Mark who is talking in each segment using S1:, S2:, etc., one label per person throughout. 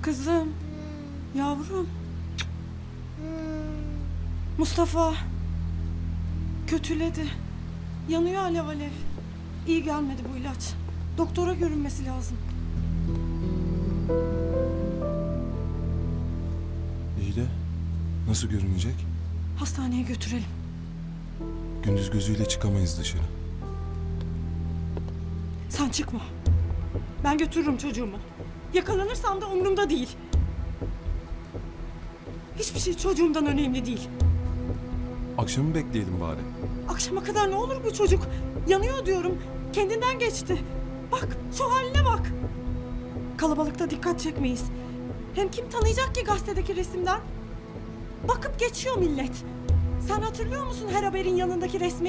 S1: Kızım, yavrum. Mustafa kötüledi. Yanıyor alev alev. İyi gelmedi bu ilaç. Doktora görünmesi lazım.
S2: İyi de nasıl görünecek?
S1: Hastaneye götürelim.
S2: Gündüz gözüyle çıkamayız dışarı.
S1: Sen çıkma. Ben götürürüm çocuğumu. Yakalanırsam da umurumda değil. Hiçbir şey çocuğumdan önemli değil.
S2: Akşamı bekleyelim bari.
S1: Akşama kadar ne olur bu çocuk? Yanıyor diyorum. Kendinden geçti. Bak şu haline bak. Kalabalıkta dikkat çekmeyiz. Hem kim tanıyacak ki gazetedeki resimden? Bakıp geçiyor millet. Sen hatırlıyor musun her haberin yanındaki resmi?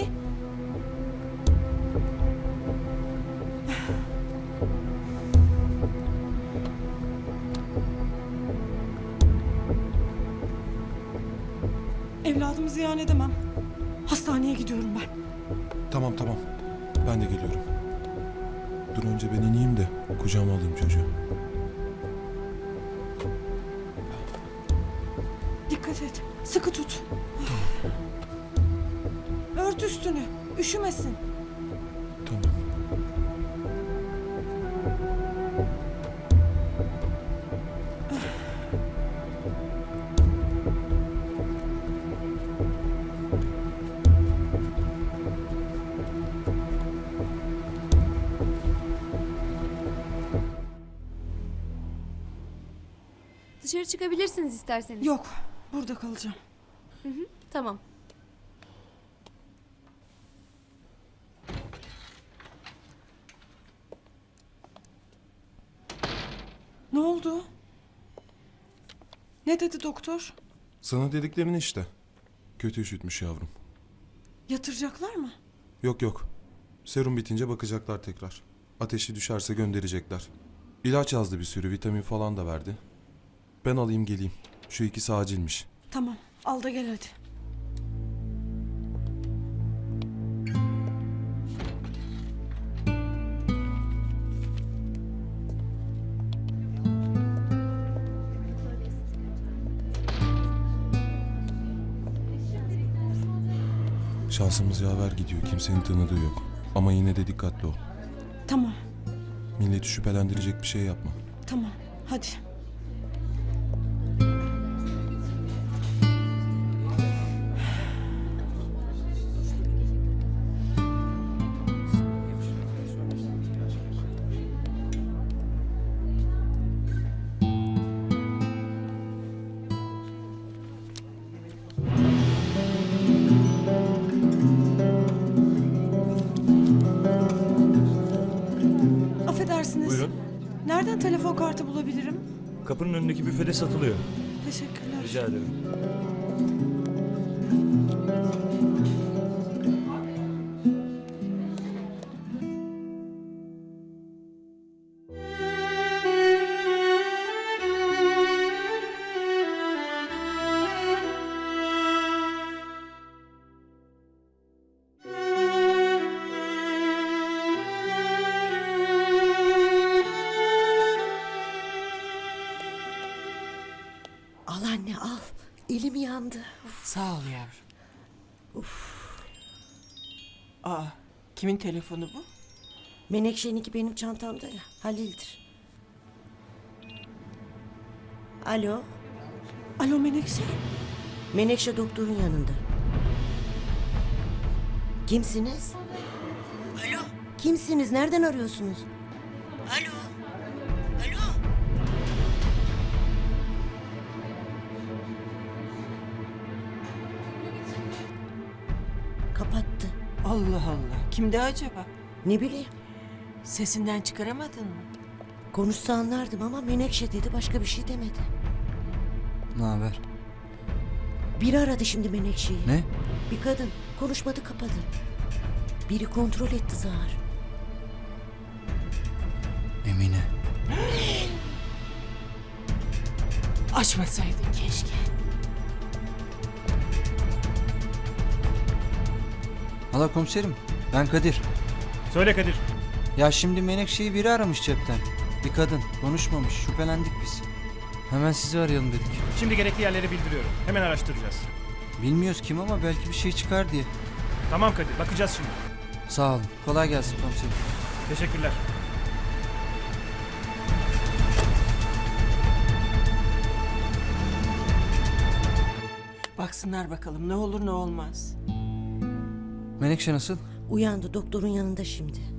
S1: Evladımı ziyan edemem. Hastaneye gidiyorum ben.
S2: Tamam. Ben de geliyorum. Dur önce ben ineyim de kucağıma alayım çocuğu.
S1: Dikkat et. Sıkı tut. Ört üstünü. Üşümesin.
S2: Tamam.
S3: Dışarı çıkabilirsiniz isterseniz.
S1: Yok. Burada kalacağım.
S3: Tamam.
S1: Ne oldu? Ne dedi doktor?
S2: Sana dediklerini işte. Kötü üşütmüş yavrum.
S1: Yatıracaklar mı?
S2: Yok. Serum bitince bakacaklar tekrar. Ateşi düşerse gönderecekler. İlaç yazdı bir sürü, vitamin falan da verdi. Ben alayım geleyim. Şu ikisi acilmiş.
S1: Tamam. Al da gel hadi.
S2: Şansımız yaver gidiyor. Kimsenin tanıdığı yok. Ama yine de dikkatli ol.
S1: Tamam.
S2: Milleti şüphelendirecek bir şey yapma.
S1: Tamam. Hadi. Affedersiniz.
S4: Buyurun.
S1: Nereden telefon kartı bulabilirim?
S4: Kapının önündeki büfede satılıyor.
S1: Teşekkürler.
S4: Rica ederim.
S5: Al anne al. Elim yandı.
S6: Sağ ol yavrum. Aa, kimin telefonu bu?
S5: Menekşe'ninki benim çantamda ya. Halil'dir. Alo.
S1: Alo Menekşe.
S5: Menekşe doktorun yanında. Kimsiniz? Alo. Kimsiniz? Nereden arıyorsunuz? Alo. Alo. Kapattı.
S6: Allah Allah. Kimdi acaba?
S5: Ne bileyim.
S6: Sesinden çıkaramadın mı?
S5: Konuşsa anlardım ama Menekşe dedi, başka bir şey demedi.
S7: Ne haber?
S5: Biri aradı şimdi Menekşe'yi.
S7: Ne?
S5: Bir kadın. Konuşmadı, kapadı. Biri kontrol etti Zahar.
S7: Emine.
S6: Açmasaydın keşke.
S7: Hala komiserim, ben Kadir.
S4: Söyle Kadir.
S7: Ya şimdi Menekşe'yi biri aramış cepten. Bir kadın, konuşmamış, şüphelendik biz. Hemen sizi arayalım dedik.
S4: Şimdi gerekli yerleri bildiriyorum. Hemen araştıracağız.
S7: Bilmiyoruz kim ama belki bir şey çıkar diye.
S4: Tamam Kadir, bakacağız şimdi.
S7: Sağ olun. Kolay gelsin komiserim.
S4: Teşekkürler.
S6: Baksınlar bakalım ne olur ne olmaz.
S7: Menekşe nasıl?
S5: Uyandı, doktorun yanında şimdi.